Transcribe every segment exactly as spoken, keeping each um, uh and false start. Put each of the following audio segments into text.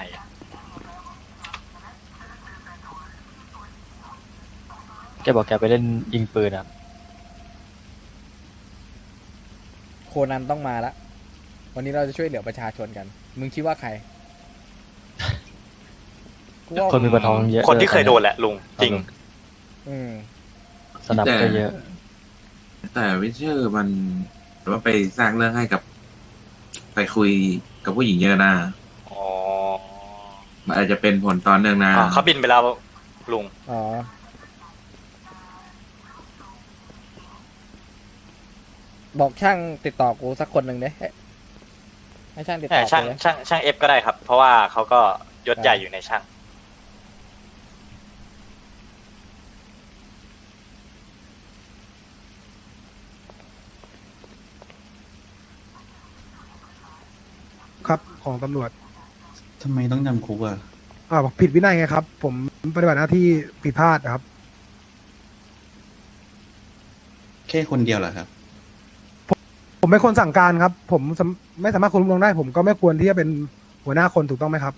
ให้แกบอกแกไปเล่นยิงปืนอ่ะโคนันต้องมาละวันนี้เราจะช่วยเหลือประชาชนกันมึงคิดว่าใครกูว่าคนมีปะทองเยอะคนที่เคยโดนแหละลุงจริงอืมสนับก็เยอะแต่วิเชอร์มันว่าไปสร้างเรื่องให้กับ ไปคุยกับผู้หญิงเยอะนะอ๋อมันอาจจะเป็นผลตอนเนื่องนะอ๋อเขาบินไปแล้วลุงอ๋อบอกช่างติดต่อกูสักคนหนึ่งเด้ให้ช่างติดแต่ต่อช่างกูเลยช่างช่างเอฟก็ได้ครับ เพราะว่าเขาก็ยศใหญ่อยู่ในช่างครับของตำรวจทำไมต้องจำคุกอ่ะอ่าผิดวินัยไงครับ ผมปฏิบัติหน้าที่ผิดพลาดนะครับแค่คนเดียวเหรอครับผมไม่ควรสั่งการครับ ผมสำไม่สามารถควบคุมลงได้ ผมก็ไม่ควรที่จะเป็นหัวหน้าคนถูกต้องไหมครับ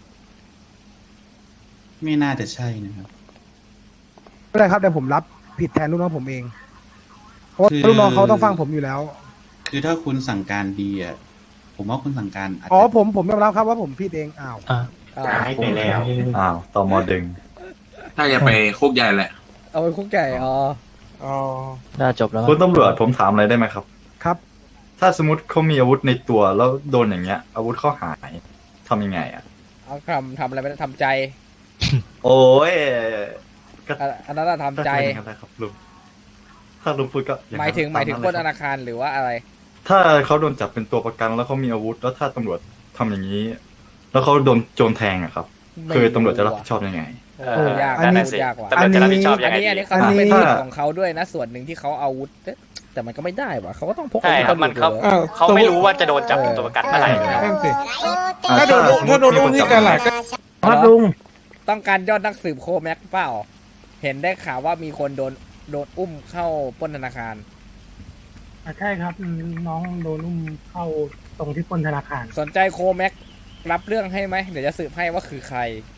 ไม่น่าจะใช่นะครับไม่เป็นไรครับเดี๋ยวผมรับผิดแทนลูกน้องผมเอง เพราะว่าคือลูกน้องเขาต้องฟังผมอยู่แล้วคือถ้าคุณสั่งการดีอ่ะ ผมว่าคุณสั่งการอาจอ๋อจะผมผมยอมรับครับว่าผมผิดเองอ้าวอ่ะอ้าวให้ไปแล้วอ้าวตมดึงถ้าจะไปคุกใหญ่แหละเอาไปคุกไก่อ๋ออ๋อน่าจบแล้วคุณตำรวจผมถามอะไรได้ไหมครับครับถ้าสมมติเขามีอาวุธในตัวแล้วโดนอย่างเงี้ย อาวุธเขาหายทำยังไงอ่ะเอาทำทำอะไรไม่ได้ทำใจโอ้ยก็อันอันนั้นอะทำใจก็เป็นอย่างนั้นแหละครับลุงถ้าลุงพูดก็อหมายถึงหมายถึงตปล้นเลธครับนาคารหรือว่าอะไรถ้าเขาโดนจับเป็นตัวประกันแล้วเขามีอาวุธ แล้วถ้าตำรวจทำอย่างนี้ แล้วเขาโดนโจรแทงอะครับ คือตำรวจจะรับผิดชอบยังไงเอโอ้อยากอันนี้นั่นนะสิยากว่ะตำรวจจะรับผิดชอบยัอังนไงนี้อันดีนี้เขาเป็นอันนี้สิทธิ์ของเขาด้วยนะส่วนหนึ่งที่เขาเอาอาวุธแต่มันก็ไม่ได้ว่ะเขาก็ต้องพกใช่ครับมันเขาอาวุธเขาไม่รู้ว่าจะโดนจับเป็นตัวประกันเมื่อไหร่นะนั่นสิถ้าโดนถ้าโดนลูกที่กันหลักครับลุงต้องการยอดนักสืบโคแม็กเปล่า เห็นได้ข่าวว่ามีคนโดนโดนอุ้มเข้าปล้นธนาคารใช่ครับน้องโดนอุ้มเข้าตรงที่ปล้นธนาคารสนใจโคแม็กรับเรื่องให้ไหมเดี๋ยวจะสืบให้ว่าคือใคร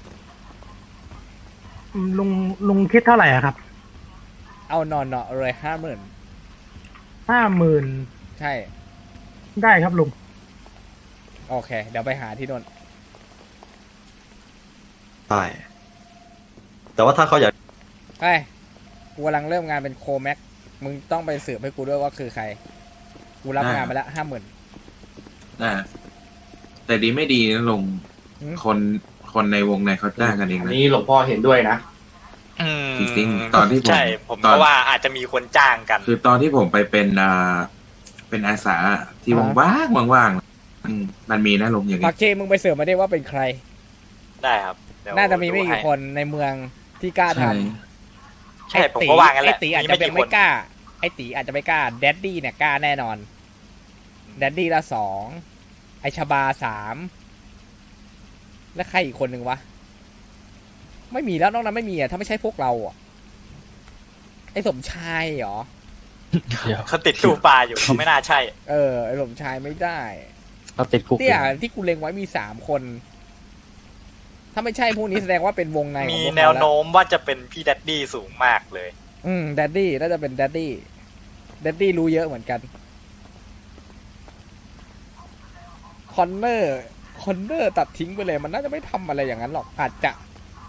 ลุงลุงคิดเท่าไหร่อะครับเอานอนเนาะเลยห้าหมื่นห้าหมื่นใช่ได้ครับลุงโอเค เดี๋ยวไปหาที่โน่นใช่แต่ว่าถ้าเขาอยากไอ้ยกูกำลังเริ่มงานเป็นโคแม็กมึงต้องไปสืบให้กูด้วยว่าคือใคร กูรับงานไปแล้วห้าหมื่นนะแต่ดีไม่ดีนะลงอืมคนคนในวงในเขาจ้างกันเองอันนะนี้หลวงพ่อเห็นด้วยนะอืมจริงๆตอนที่ผมใช่ผมตอก็นว่าอาจจะมีคนจ้างกันคือตอนที่ผมไปเป็นอ่าเป็นอาสาที่ว่างๆว่างๆอืมมันมีนะลงอย่างปันี้กเชมึงไปสืบมาได้ว่าเป็นใครได้ครับเดี๋ยวน่าจะมีไม่ดูกี่ให้คนในเมืองที่กล้าทใช่ำใช่ผมก็ว่างั้นแหละไอตีอาจมีจะไม่ยังกี่ไม่คนกล้า ไอตีอาจจะไม่กล้าแดดดี้เนี่ยกล้าแน่นอนแดดดี้ละสองไอชบาสามและใครอีกคนหนึ่งวะไม่มีแล้วนอกนั้นไม่มีอ่ะถ้าไม่ใช่พวกเราอ่ะไอสมชายเหรอเดี๋ยวเขาติดตู้ปลาอยู่เขาไม่น่าใช่เออไอสมชายไม่ได้เขาติดคุกอเนี่ยยู่ที่กูเล็งไว้มีสามคน ถ้าไม่ใช่พวกนี้แสดงว่าเป็นวงในของมีพวกแนเขาวแล้วโน้มว่าจะเป็นพี่แดดดี้สูงมากเลยอืมแดดดี้น่าจะเป็นแดดดี้แดดดี้รู้เยอะเหมือนกันคอนเนอร์คอนเนอร์ตัดทิ้งไปเลยมันน่าจะไม่ทำอะไรอย่างนั้นหรอกอาจจะ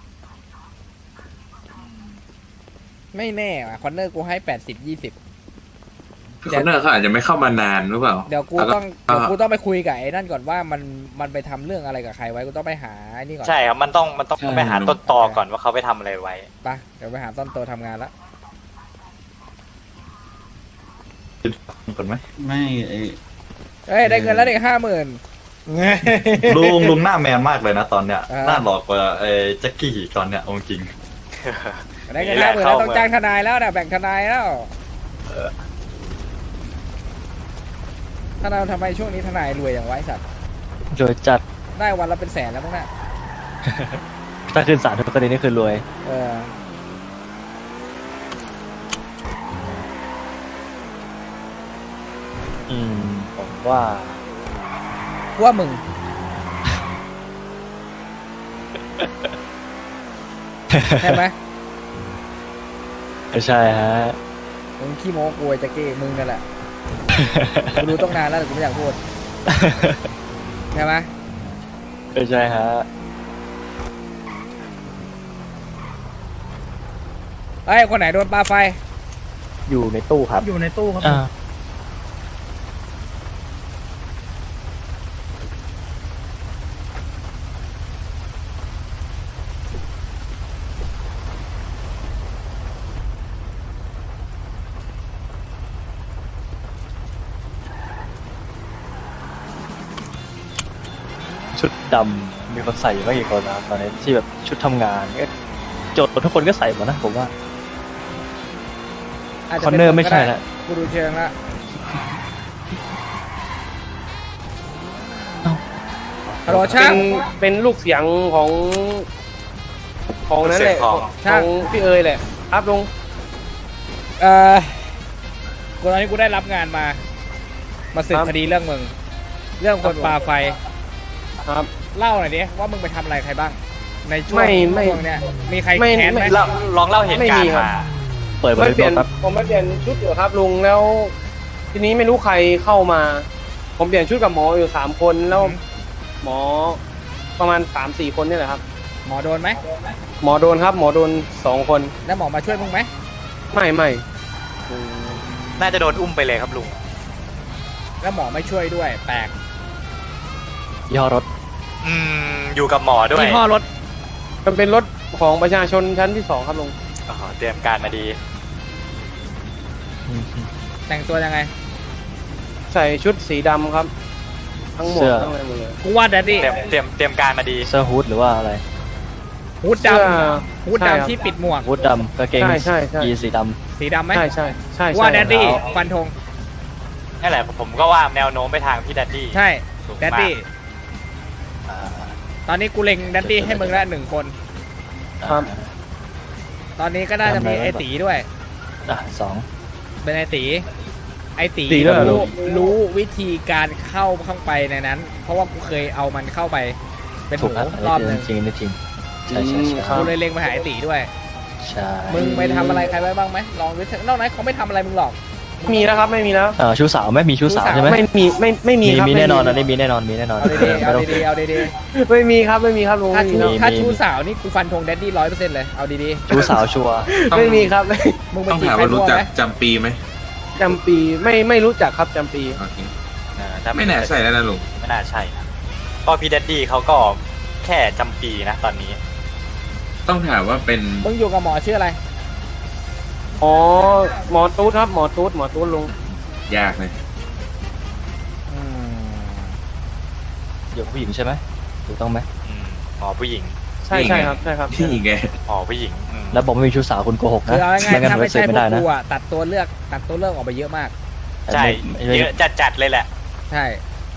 ไม่แน่ว่ะคอนเนอร์กูให้แปดสิบยี่สิบคือคนเนอร์เขาอาจจะไม่เข้ามานานหรือเปล่าเดี๋ยวกูแล้วต้องเดี๋ยวกูต้องไปคุยกับไอ้นั่นก่อนว่ามันมันไปทำเรื่องอะไรกับใครไว้กูต้องไปหาไอ้นี่ก่อนใช่ครับมันต้องมันต้องไปหาต้นตอก่อนว่าเขาไปทำอะไรไว้ไปเดี๋ยวไปหาต้นโตทำงานละก่อนไหมไม่ไอเอ้ยได้เงินแล้วเด็กห้าหมื่นลุงลุงหน้าแมนมากเลยนะตอนเนี้ยอ่าหน้าหลอกกว่าไอ้แจ็คกี้ตอนเนี้ยเอาจริงได้เงินห้าหมื่นแล้วต้องจ้างทนายแล้วนะแบ่งทนายแล้วทนายทำไมช่วงนี้ทนายรวยอย่างไวสัตว์โดยจัดได้วันละเป็นแสนแล้วมั้งน่ะถ้าขึ้นศาลทุกคดีนี่คือรวยเอออืมผมว่าว่ามึงใช่ไหมไม่ใช่ฮะมึงขี้โม้กลัวจะเก้มึงนั่นแหละกูรู้ต้องนานแล้วแต่กูไม่อยากพูดใช่ไหมไม่ใช่ฮะเอ้ยคนไหนโดนปลาไฟอยู่ในตู้ครับอยู่ในตู้ครับอ่า ชุดดำมีคนใส่อยู่ไม่กี่คนนะครับตอนนี้ที่แบบชุดทำงานก็โจทย์ทุกคนก็ใส่หมดนะผมว่าอาจจะคอนป็เนอร์ไม่ใช่ละกูดูเชิงละ ฮัลโหลช่างเป็นลูกเสียงของของนั้นแหละเสียงของของพี่เอ๋ยแหละครับลุงเอ่อกูตอนนี้กูได้รับงานมา มาสืบครับคดีเรื่องมึง เรื่องคนปลาไฟครับเล่าหน่อยดิว่ามึงไปทำอะไรใครบ้าง ในช่วงไม่ไม่ช่วงเนี้ยมีใครไม่แค้นไหมไม่เราลองเล่าเหตุการไม่มีณ์ครับมาเปิดบไม่ริเปลี่บยนทครับผมไม่เปลี่ยนชุดอยู่ครับลุงแล้ว ทีนี้ไม่รู้ใครเข้ามา ผมเปลี่ยนชุดกับหมออยู่สามคนแล้วหมอประมาณสามสี่คนนี่แหละครับหมอโดนไหมหมอโดนครับ หมอโดนสองคนแล้วหมอมาช่วยมึงไหมไม่ไม่น่าจะโดนอุ้มไปเลยครับลุงแล้วหมอไม่ช่วยด้วย แปลกยี่ห้อรถอืม อยู่กับหมอด้วยยี่ห้อรถมันเป็นรถของประชาชนชั้นที่สองครับลุงอ๋อเตรียมการมาดีแต่งตัวยังไงใส่ชุดสีดำครับ ทั้งหมดเสื้อทั้งอะไรหมดเลยกูว่าแดดดี้เตรียมเตรียมเตรียมการมาดีเสื้อฮูดหรือว่าอะไรฮูดดเสื้อำฮูดใช่ครับดำที่ปิดหมวกฮูดดำกางเกงใช่ใช่ใช่ยีนสีดสีดำไหมใช่ใช่ใช่ว่าใช่แดดดี้แล้วฟันธงนั่นแหละผมก็ว่าแนวโน้มไปทางพี่ดัดดี้ใช่สูงแดดมากดี้ำอ่าตอนนี้กูเล็งแดดดี้ให้มึงละหนึ่งคนครับตอนนี้ก็น่าจะมีทำอะไรไอตีด้วยอ่ะสองเป็นไอตี ไอตีตีด้วยเหรอรู้รู้วิธีการเข้าข้างไปในนั้น เพราะว่ากูเคยเอามันเข้าไป เป็นหถูกมูครับรอบหนึ่งจริงๆจริงใช่ใช่ใช่ครับกูเลยเล็งไปหาไอตีด้วยใช่มึงไปทำอะไรใครไว้บ้างไหมลองดูเถอะนอกนั้นเขาไม่ทำอะไรมึงหรอกมีแล้วครับไม่มีแล้วเอ่อชูสาวไหมมีชูสาวชูสาวใช่ไหมไม่มีไม่ไม่มีมีครับมีไแน่นอนอันนี้มีแน่นอนมีแน่นอนเอาดีๆไม่เอาต้องดีๆเอาดีไม่มีครับไม่มีครับลุงๆถ้าไม่ชูมีแล้วถ้ามีชูสาวนี่กูฟันธงแดดดี้ร้อยเปอร์เซ็นต์เลย เอาดีชูสาวชัวร์ไม่มีครับไม่ๆ มึงไปต้องจีบถามใครว่ามั่รู้วจักไหมจำปีไหมจำปีไม่ไม่รู้จักครับจำปีโอเคอ่าถ้าไม่แน่ใช่แล้วนะลุงไม่น่าใช่นะก็พี่ดัดดี้เขาก็แค่จำปีนะตอนนี้ต้องถามว่าเป็นมึงอยู่กับหมอชื่ออะไรอ๋อหมอตูดครับหมอตูดหมอตูดลุงยากเลยอืมอยู่กับผู้หญิงใช่ไหมถูกต้องไหมอืมหมอผู้หญิงใช่ใช่ครับใช่ครับพี่ไงหมอผู้หญิงอืมแล้วบอกไม่มีชูสาวคุณโกหกคืนะอเอาง่ายไม่งั้ๆนถ้าผมไม่จะเซ็ใช่นพไม่วได้กนะกูอะตัดตัวเลือกตัดตัวเลือกออกไปเยอะมากใช่ไม่ไม่เยอะจัดจัดๆเลยแหละใช่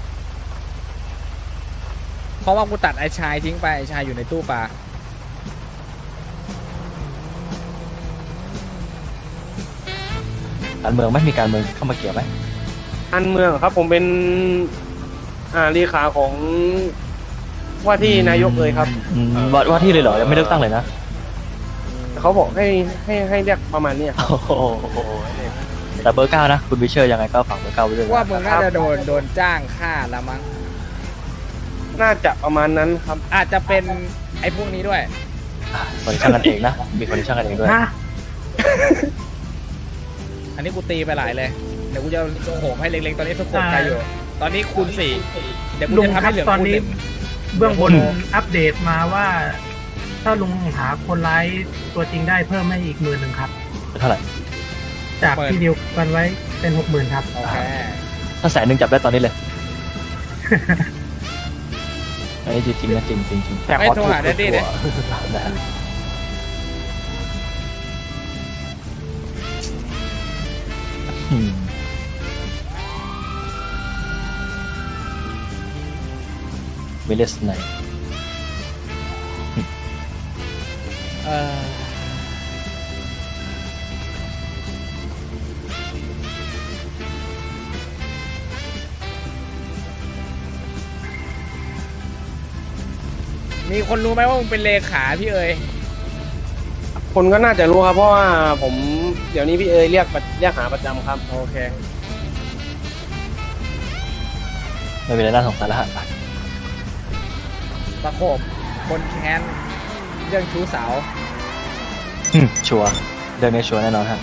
เพราะว่ากูตัดไอ้ชายทิ้งไปไอ้ชายอยู่ในตู้ปลาการเมืองไม่มีการเมืองเข้ามาเกี่ยวไหมอันเมืองครับ ผมเป็นอ่าเลขาของว่าที่นายกเลยครับอืมว่าว่าที่เลยเหรอยังไม่เลือกตั้งเลยนะเขาบอกให้ให้ให้เรียกประมาณเนี้ยครับโอ้โหแต่เบอร์เก้านะคุณวิเชอร์ยังไงก็ฝากเบอร์เก้าไว้ด้วยนะว่ามึงน่าจะโดนโดนจ้างฆ่าแล้วมั้งน่าจะประมาณนั้นครับอาจจะเป็นไอ้พวกนี้ด้วยอ่ะคนช่างกันเองนะมีคนช่างกันเองด้วยฮะอันนี้กูตีไปหลายเลย เดี๋ยวกูจะโหมให้เล็งๆตอนนี้ทุกคนใครอยู่ ตอนนี้คูณสี่เดี๋ยวกูลุงจะทำครัให้บเหลือตอนคูณนี้หนึ่งเบื้องบนอัปเดตมาว่า ถ้าลุงหาคนร้ายตัวจริงได้เพิ่มให้อีกหมื่นหนึ่งครับเป็นเท่าไหร่จากที่เดียวกันไว้เป็นหกหมื่นครับโอเคถ้าแสนหนึ่งจับได้ตอนนี้เลย อันนี้จริงๆนะจริงจริงจริงไม่โทรหาแดดดี้เลยนะฮะอืมวิลเลสไนเออมีคนรู้ไหมว่ามึงเป็นเลขาพี่เอ๋ยคนก็น่าจะรู้ครับ เพราะว่าผมเดี๋ยวนี้พี่เอ๋ยเรียกประเรียกหาประจำครับโอเคไม่เป็นไรน่าสงสารแล้วฮะตะโขบคนแค้นเรื่องชู้สาวอืมชัวร์เรื่องนี้ชัวร์แน่นอนฮะ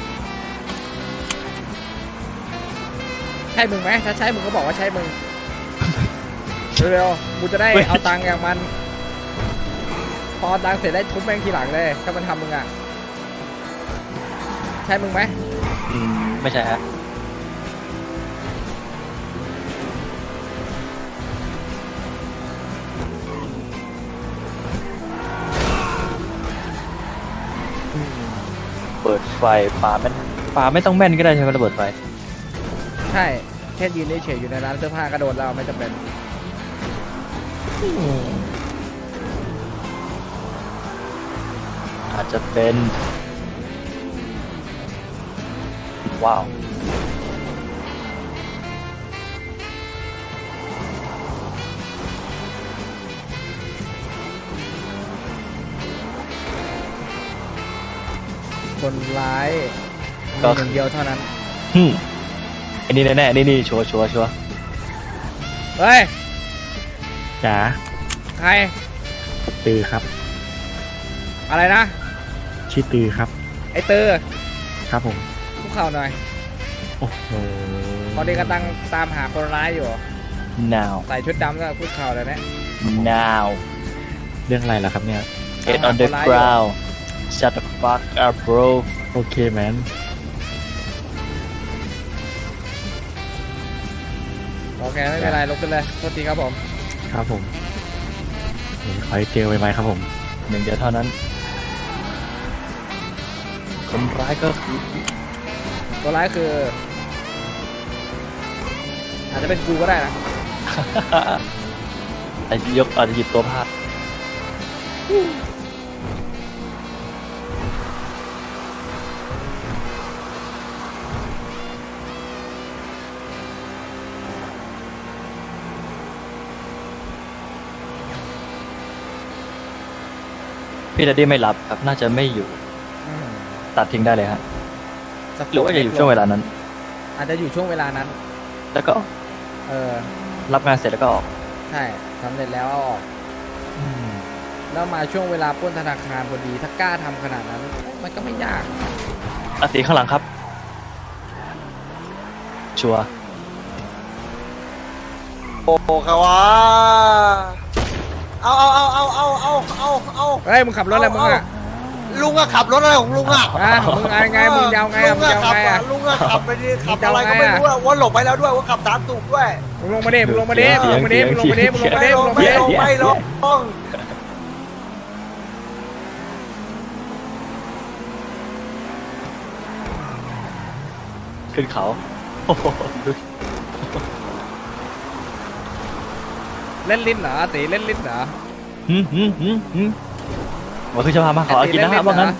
ใช่มึงไหมถ้าใช่มึงก็บอกว่าใช่มึง เร็วๆกูจะได้เอาตังค์อย่างมัน พอเอาตังค์เสร็จได้ทุบแม่งทีหลังเลยถ้ามันทำมึงอ่ะ ใช่มึงไหมอืมไม่ใช่ฮะอืมเปิดไฟปาไม่ปาไม่ต้องแม่นก็ได้ใช่ไหมระเบิดไฟใช่ แค่ยืนเฉยๆอยู่ในร้านเสื้อผ้ากระโดดเราไม่จำเป็นอาจจะเป็น ว้าวคนร้ายก็มีหนึ่งเดียวเท่านั้นฮึมอันนี้แน่ๆนี่นี่ชัวร์ชัวร์ชัวร์เฮ้ยจ๋าใครตือครับอะไรนะชื่อตือครับไอ้เตอร์ครับผมคุกเข่าหน่อยโอ้โหตอนนี้กำลังตามหาคนร้ายอยู่ now ใส่ชุดดำก็คุกเข่าเลยนะ now เรื่องอะไรล่ะครับเนี่ย get on the ground shut the fuck up bro โอเคแมนโอเค ไม่เป็นไรลุกขึ้นเลยโทษทีครับผมครับผมเดี๋ยวขอให้เจอไวๆครับผมหนึ่งเดียวเท่านั้น คนร้ายก็คือตัวร้ายคือ อาจจะเป็นกูก็ได้นะอาจจะยกอาจจะหยิบตัวพาดพี่ดัดดี้ไม่รับครับ น่าจะไม่อยู่อืมตัดทิ้งได้เลยฮะสักหรือว่าจะอยู่ช่วงเวลานั้นอาจจะอยู่ช่วงเวลานั้นแล้วก็เออรับงานเสร็จแล้วก็ออกใช่สำเร็จแล้วเอาออก แล้วมาช่วงเวลาปล้นธนาคารพอดี ถ้ากล้าทำขนาดนั้น มันก็ไม่ยากอาตีข้างหลังครับ ชัวร์โอ้เขาวะเอาเอาเอาเอาเอาเอาเอาเอาเฮ้ย มึงขับรถอะไรมึงอ่ะลุงอะขับรถอะไรของลุงอะอ่ะมึงไงไงมึงยาวไงลุอ่ะงมึงอะยาวขับไงอะอ่ะลุงอะขับไปดิขับมึงจะอะไรเอาก็ไงไม่อะรู้อะว่าหลบไปแล้วด้วยว่าขับตามตูกด้วยมึงลงมาดิมึงลงมาดิมึงลงมาดิมึงลงมาดิมึงลงมาดิมึงลงไม่มาดิลงไม่ลงไม่ลงขึ้นเขาโอ้โหดูเล่นลิ้นเหรอตีเล่นลิ้นเหรอหืมหืมหืมหืมว่าคือจะพามาขอกินนะฮะว่างั้น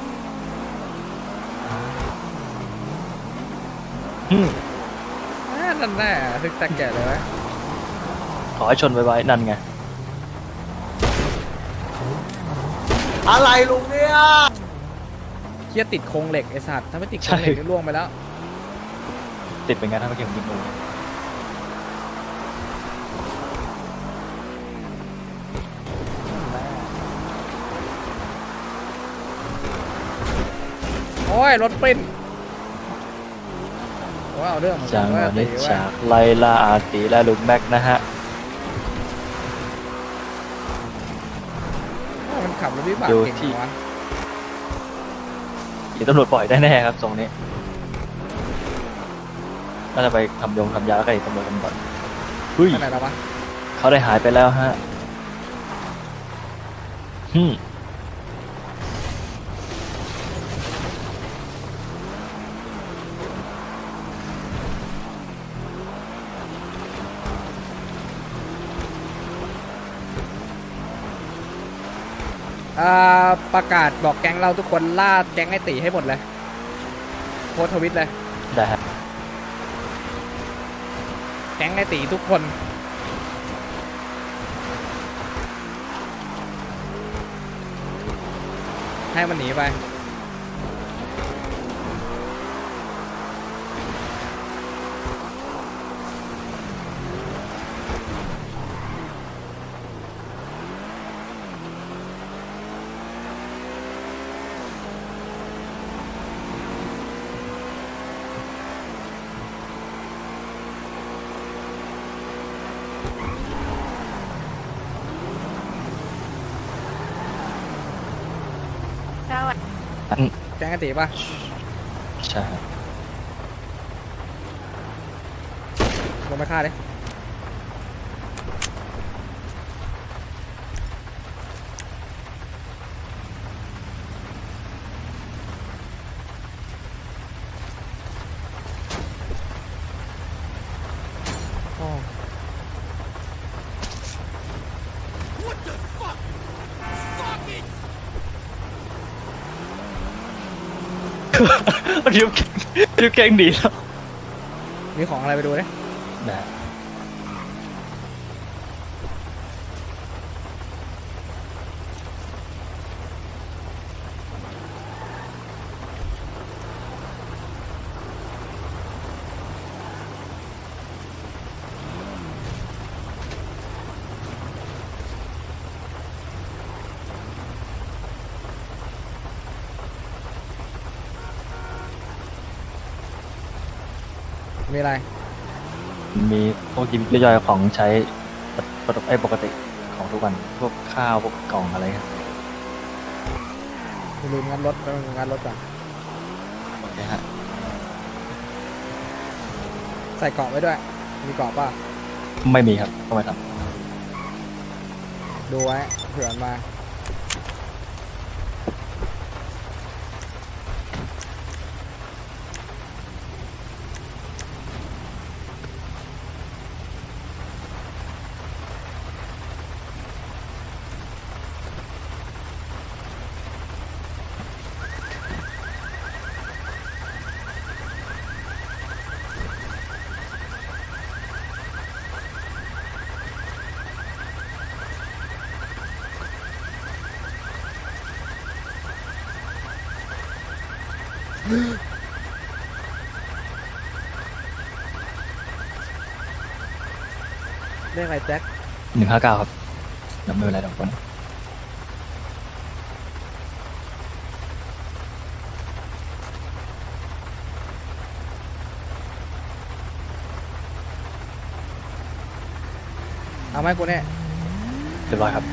หืมอ่านั่นแน่ทึกแตกแก่เลยไหมขอให้ชนไว้ๆนั่นไงอะไรลุงเนี่ยเคียติดโครงเหล็กไอ้สัตว์ถ้าไม่ติดโครงเหล็กนี่ล่วงไปแล้วติดเป็นไงถ้าเมื่อกี้ผมยิงงูโอ้ยรถปิ้นว้าวเรื่องเหมือนกัจันงหว่าวะนี้ตีว่าจากไลลาอาตีและลุงแม็กนะฮะมันขับรถวิบากอยู่เก่งที่วะเดี๋ยวตำรวจปล่อยได้แน่ครับตรงนี้น่าจะไปทำยงทำยากับไอ้ตำรวจกันก่อนเฮ้ยขนาดแล้ววะเขาได้หายไปแล้วฮะฮึมอ่าประกาศบอกแก๊งเราทุกคนล่าแก๊งไอ้ตีให้หมดเลยโพสต์ทวิตเลยได้ฮะแก๊งไอ้ตีทุกคนอให้มันหนีไปแจ้งกันตีป่ะใช่ครับลงไปฆ่าดิโอ้ริวริวเก่งดีแล้วมีของอะไรไปดูดินะมีอะไรมีพวกยิบย่อยๆของใช้ปกติไอ้ปกติของทุกวันพวกข้าวพวกกล่องอะไรครับลืมงานรถไปงานรถก่อนโอเคฮะใส่เกราะไว้ด้วย มีเกราะป่ะไม่มีครับก็ไม่ทดูไว้เผื่อมันมา เรียกอะไรแจ็คำหนึ่งห้าเก้าครับแล้วไม่เป็นไรทุกคนเอาไหมกูเนี่ยเรียบร้อยครับ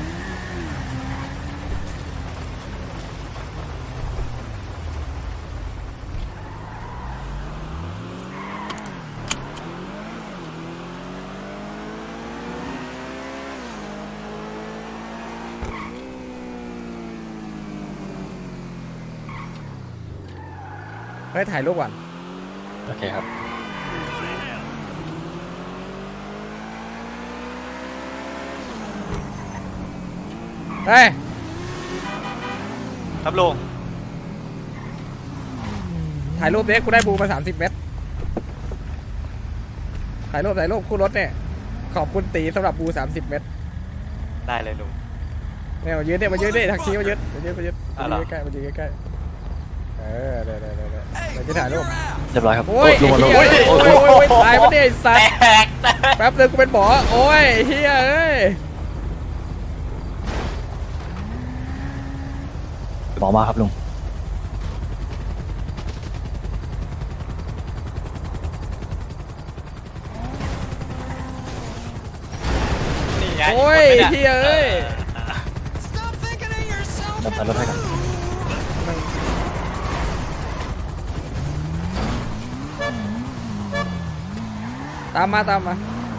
เฮ้ยถ่ายรูปก่อนโอเคครับเฮ้ยครับลุงถ่ายรูปเด็กกูได้บูมาสามสิบเมตร ถ่ายรูปถ่ายรูปคู่รถเนี่ย ขอบคุณตีสำหรับบูสามสิบเมตรได้เลยลุงเนี่ยมายืนเนี่ยมายืนเนี่ยทักซี่มายืนมายืนมายืนอ่ะมาเหรอยืนใกล้ๆมายืนใกล้ๆเออเดี๋ยวเดี๋ยวเดี๋ยวเดี๋ยวเราจะถ่ายรูปเรียบร้อยครับโอ้ยลงมาลงไอ้เหี้ยโอ้โอ้ยยโอ้ยโอ้ยตายปะเนี่ยไอ้สัตแตว์กแตกแป๊บนึงกูเป็นหมอโอ้ยเฮียเอ้ยหมอมาครับลุงนี่ไงโอ้ยกคนไม่ได้เฮียเอ้ยนำไปรถให้กันตามมาตามมา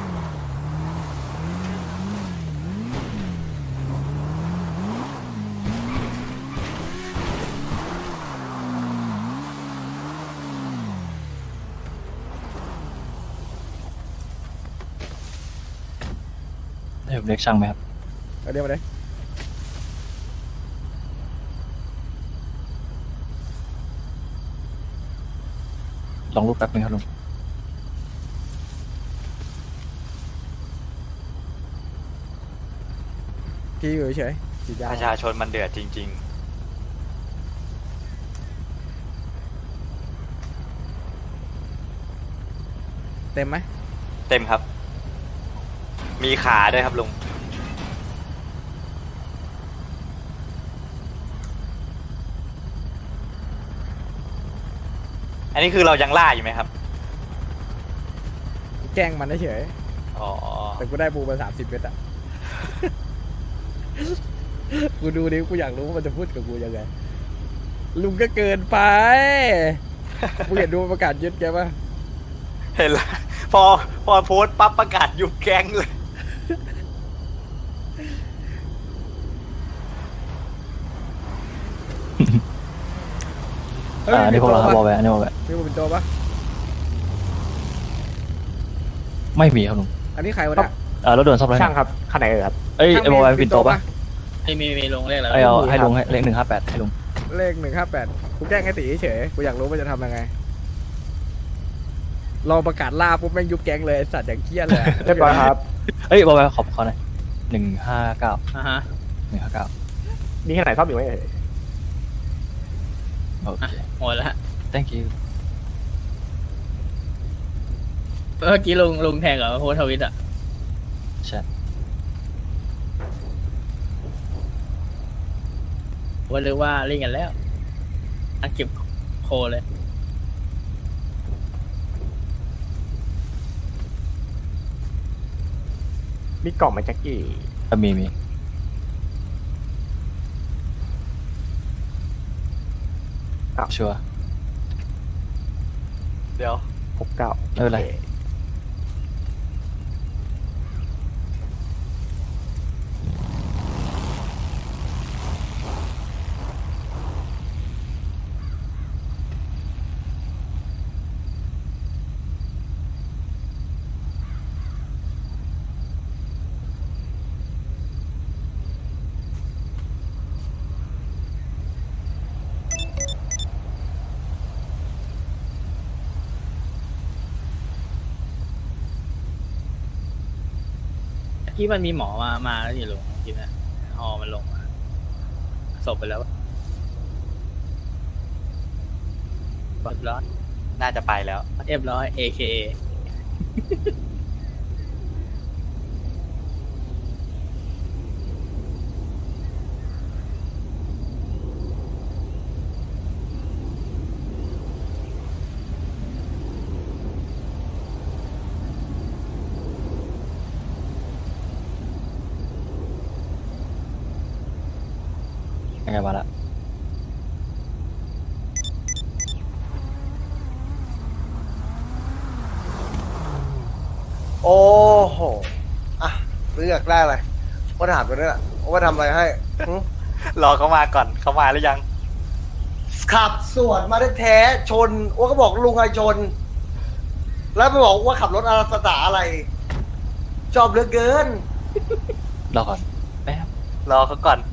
ให้ผมเรียกช่างไหมครับเอาเดี๋ยวมาเลยลองรูปแป๊บนึงครับลุงพี่อยู่เฉยๆฉีดยาประชาชนมันเดือดจริงเต็มไหมเต็มครับ มีขาด้วยครับลุง อันนี้คือเรายังล่าอยู่ไหมครับแกล้งมันเฉยอ๋อแต่กูได้บูมาสามสิบเมตรอะ กูดูดิกูอยากรู้ว่ามันจะพูดกับกูยังไงลุงก็เกินไปมึงเห็นดูประกาศยึดแกปะเห็นแล้วพอพอโพสต์ปั๊บประกาศยุบแก๊งเลยอ่านี่พวกเราครับบอลแวร์นี่บอลแวร์มีเป็นตัวปะไม่มีครับลุงอันนี้ใครวะเนี่ยอ่ารถด่วนซ่อมไรช่างครับคันไหนเอ่ยครับเอ้ยไอ้บอลแวร์ปิ่นโตปะไม่มีมีลงเลขแล้วไอ้เอาให้ลุงให้เลขหนึ่งห้าแปดให้ลุงเลขหนึ่งห้าแปดกูแกล้งไอ้ตีเฉยกูอยากรู้ว่าจะทำยังไงลองประกาศล่าปุ๊บแม่งยุบแก๊งเลยไอ้สัตว์อย่างเกี้ยเลยเรียบร้อยครับเอ้ยบอลแวร์ขอบเขาหน่อยหนึ่งห้าเก้าอ่าฮะหนึ่งห้าเก้ามีแค่ไหนชอบอยู่ไหมเอ่ยโอเคหมดแล้ว thank you เมื่อกี้ลงลงแทงกับโพสต์ทวิตอ่ะใช่ว่าหรือว่าเล่นกันแล้วอันเก็บโคเลยมีกล่องไหมแจ็คกี้อ่ะมีมี ชัวร์เดี๋ยวหกเก้าไม่เป็นไรที่มันมีหมอมา มาแล้วอยู่ลงกินนะฮอมันลงมาศพไปแล้วเรียบร้อยน่าจะไปแล้วเรียบร้อย เอ เค เอยังไงมาละโอ้โห อ่ะเลือกได้เลยว่าถามกันด้วยล่ะว่าทำอะไรให้หึรอเขามาก่อนเขามาหรือยังขับสวนมาแท้ๆชนว่าก็บอกลุงไอชน แล้วไปบอกว่าขับรถอาสตาอะไร ชอบเหลือเกินรอก่อนแป๊บรอเขาก่อน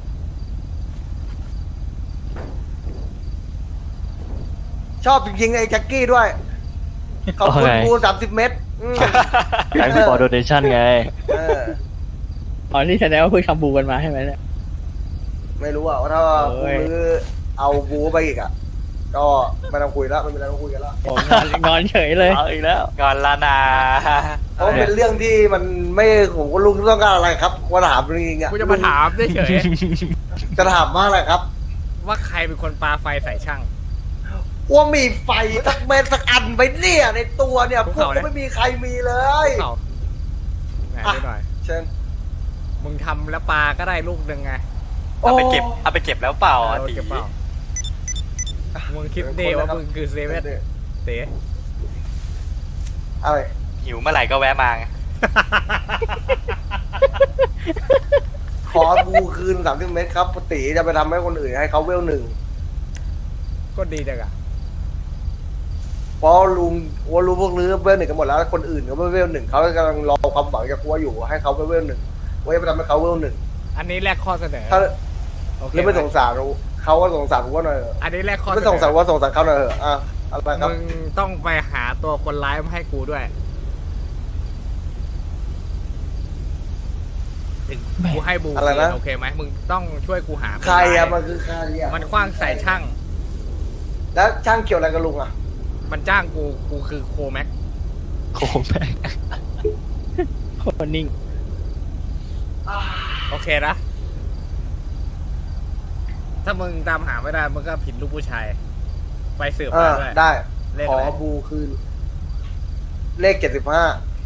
ชอบจริงๆไอ้แจ็คกี้ด้วยขอบคุณกูสามสิบเมตรอืมไอ้ฟอร์โดเนชั่นไงเอออ๋อนี่แสดงว่าเพิ่งทำบูกันมาใช่ไหมเนี่ยไม่รู้อ่ะว่าถ้าโอ้กูยมือเอาบูไปอีกอ่ะ ก็ไม่ต้องคุยแล้วไม่มีอะไรต้องคุยกันแล้วโอ้นอนนอนเฉยเลยเอาอีกแล้วก่อนละนาเพราะมันเป็นเรื่องที่มันไม่ผมก็ลุงต้องการอะไรครับว่าถามจริงๆอ่ะกูจะมาถามเฉยจะถามว่าอะไรครับๆว่าใครเป็นคนปาไฟใส่ช่างว่ามีไฟสักเม็ดสักอันไปเนี่ยในตัวเนี่ยภูพวกเขาก็เนี่ยไม่มีใครมีเลยเอาไหนดูหน่อยเชิญมึงทำแล้วปลาก็ได้ลูกหนึ่งไงเอาไปเก็บเอาไปเก็บแล้วเปล่าเอาอ่ะตีเก็บเปล่ามึงคิดดีว่ามึงคือเซเว่นเต๋อะไรหิวเมื่อไหร่ก็แวะมาไงขอบูคืนสามสิบเมตรครับปกติจะไปทำให้คนอื่นให้เขาเวลหนึ่งก็ดีจังอะเพราะลุงว่ารู้พวกนี้เวลหนึ่งกันหมดแล้วคนอื่นก็ไม่เวลหนึ่งเขากำลังรอความหวังจากกัวอยู่ให้เขาไปเวลหนึ่งว่าจะไปทำให้เขาเวลหนึ่งอันนี้แรกข้อเสนอถ้าโอเคหรือไม่สงสารเขาก็สงสารผมว่าหน่อยเถอะอันนี้แรกข้อเสนไม่อสงสารว่าสงสารเขาหน่อยเถอะอ่ะอะไรครับมึงต้องไปหาตัวคนร้ายมาให้กูด้วยกูให้บูอะไรนะโอเคไหมมึงต้องช่วยกูหาใครนอะายมันคือใครอะมันคว้างใส่ช่างแล้วช่างเกี่ยวอะไรกับลุงอะมันจ้างกูกูคือโคแม็กโค้งแม่งโคตรนิ่งโอเคนะ ถ้ามึงตามหาไม่ได้มึงก็ผิดลูกผู้ชาย ไปสืบเอมาอด้วยได้เลขขออะไรบูคืน เลขเจ็ดสิบห้า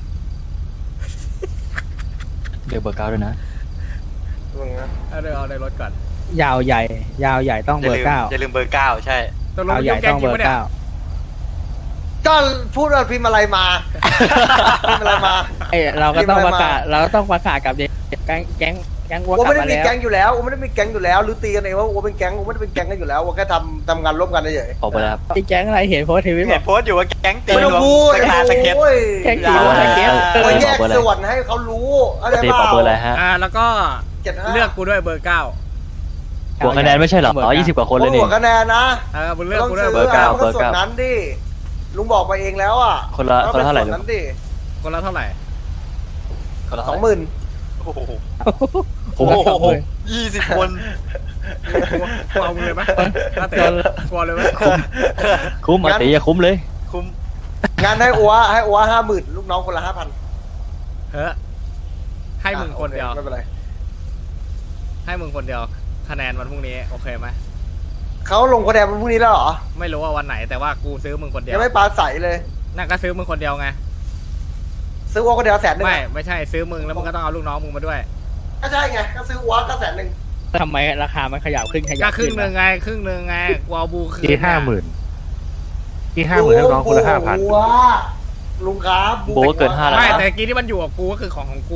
เดี๋ยวเบอร์เก้าด้วยนะเอาเดี๋ยวเอาในรถก่อนยาวใหญ่ ยาวใหญ่ต้องอย่าเบอลืร์มเก้าอย่าลืมเบอร์เก้าใช่ตกลงยาวมึงใหญ่ยุ่งแกต้งองจริเบงอปะร์เนี่ยเก้าก็พูดว่าพิมพ์อะไรมาพิมพ์อะไรมาเอ้ยเราก็ต้องพิปมพ์ระอะไรมากาศเราก็ต้องประกาศกับเด็กแก๊งแก๊งแก๊งวัววัวกลับไม่ได้มามีแล้วแก๊งอยู่แล้ววัวไม่ได้มีแก๊งอยู่แล้วหรือตีกันเองว่าวัวเป็นแก๊งวัวไม่ได้เป็นแก๊งกันอยู่แล้ววัวแค่ทำทำงานร่วมกันเฉยขอไปแล้วครับไอ้แก๊งอะไรเห็นโพสต์ทวิตบเห็อน กโพสต์อยู่ว่าแก๊งตีไม่ต้องรวมพูดสกาสเก็ตโอ้ยแก๊งตีรวมสเก็ตเออวัวแยกขอเบอร์อะไรส่วนให้เขารู้อะไรตีบ้าขอเบอร์อะไรฮะอ่าแล้วก็เจ็ดห้าเลือกกูด้วยเบอร์เก้าหัวคะแนนไม่ใช่เหรออ๋อยี่สิบกว่าคนเลยนี่หัวคะแนนนะเออมึงเลือกต้องกูด้วยซื้อเบอร์เก้าะมันก็ส่วนนั้นดิลุงบอกไปเองแล้วอ่ะคนละคนละเท่าไหร่ส่วนนั้นดิคนละเท่าไหร่คนละสเท่าองไหหร่มื่นโอ้โหโอ้โหยี่สิบคนกูเอามึงเลยไหมถ้าเตะกลัวเลยไหมคุ้มอ่ะตีอย่าคุ้มเลยคุ้มงานให้อัวให้อัวห้าหมื่นลูกน้องคนละห้าพันเฮ้ยให้มึงคนเดียวไม่เป็นไรให้มึงคนเดียว คะแนนวันพรุ่งนี้โอเคไหมเขาลงคะแนนวันพรุ่งนี้แล้วเหรอไม่รู้ว่าวันไหนแต่ว่ากูซื้อมึงคนเดียยัวงไม่ปลาใสเลยนั่นก็ซื้อมึงคนเดียวไงซื้ออัวคนเดียวแสนหนึ่งไม่อะไม่ใช่ซื้อมึงแล้วมึงก็ต้องเอาลูกน้องมึงมาด้วยก็ใช่ไงก็ซื้ออัวก็แสนหนึ่งทำไมราคามันขยับขึ้นขยัก็บครึ่ขึ้งนหนึ่งไงครึ่งหนึ่งไงกูเอาบูคืนที่ห้าหมื่นที่ห้าหมื่นให้น้องคนละห้าพันอัวลุงครับโบก็เกินห้าแล้วไม่นะแต่กี้ที่มันอยู่กับกูก็คือของของกู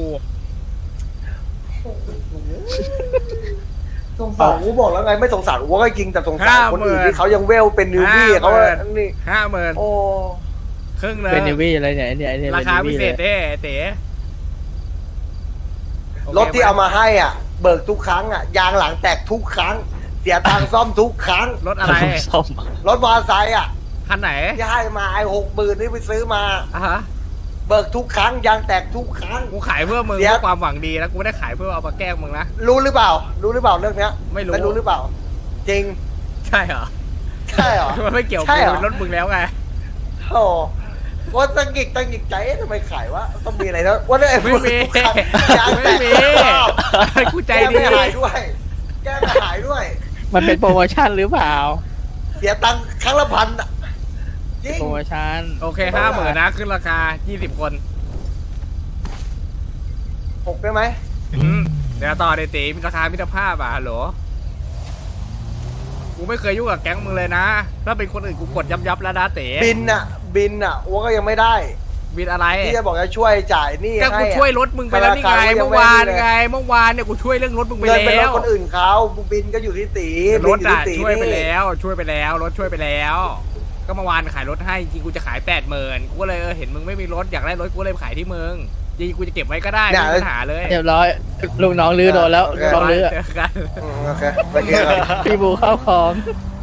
สงสารอัวบอกแล้วไงไม่สงสารอัวก็จริงแต่สงสารคนอื่นที่เขายังเวลเป็นนิวบี้เขาว่านี่ห้าหมื่นโอ้ครึ่งหนึ่งเป็นนิวี่อะไรเนี่ยไอ้เนี่ยไอ้เนี่ยราคาพิป็นเศนิวี่ษเลยเด้เต๋รถที่เอามาให้อ่ะ เบิกทุกครั้งอ่ะยางหลังแตกทุกครั้ง เสียตังค์ซ่อมทุกครั้งรถอะไรซ่อมรถมอเตอร์ไซค์อ่ะคันไหนที่ให้มาไอ้หกหมื่นนี่ไปซื้อมาอ่ะฮะเบิกทุกครั้งยางแตกทุกครั้งกูขายเพื่อมึงเดี๋ยวเพื่อความหวังดีนะกูไม่ได้ขายเพื่อเอามาแกล้งมึงนะรู้หรือเปล่า รู้หรือเปล่าเรื่องเนี้ยไม่รู้ไม่รู้หรือเปล่า จริงใช่เหรอใช่เหรอมันไม่เกี่ยวใช่กูเหรอเป็นรถมึงแล้วไงโอ้ว่าตังกิกตังกิกใจเอ๊ะทำไมขายวะต้องมีอะไรนะว่าเนี่ยไม่มีทุกครั้งยางแตไม่กมีทุกรอบกูใจแก้ดีไม่หายด้วย แก้ไม่หายด้วยมันเป็นโปรโมชั่นหรือเปล่าเสียตังค์ครั้งละพันอะจริงโปรโมชั่นโอเคห้าหมื่นนะขึ้นราคายี่สิบคนหกได้ไหมอืมเดี๋ยวต่อเดยวตีมีราคามิตรภาพอ่ะฮัลโหลกูไม่เคยยุ่งกับแก๊งมึงเลยนะ ถ้าเป็นคนอื่นกูกดยับยับแล้วนะเต๋บินอะบินอะอัวก็ยังไม่ได้บินอะไรที่จะบอกจะช่วยจ่ายหนี่ก็ให้กูอะช่วยรถมึงไปแล้วนี่ไงธนาคารก็ยังเมื่อวานไม่ได้เลยไงเมื่อวานเนี่ยกูช่วยเรื่องรถมึงไปเงินเป็นรแล้ถวคนอื่นเขาบินก็อยู่ที่ตีรถบินอยู่อ่ะที่ตีช่วยไปนี่แล้ว ช่วยไปแล้วรถช่วยไปแล้ว ก็เมื่อวานขายรถให้จริงกูจะขายแปดหมื่นกูก็เลยเออเห็นมึงไม่มีรถอยากได้รถกูเลยขายที่มึงจริงกูจะเก็บไว้ก็ได้ไม่มีปัญหาเลยเรียบร้อยลูกน้องลื้อโดนแล้วลูกน้องลื้อเจอกันอืมโอเคไปเจอกันพี่บูเข้าของโ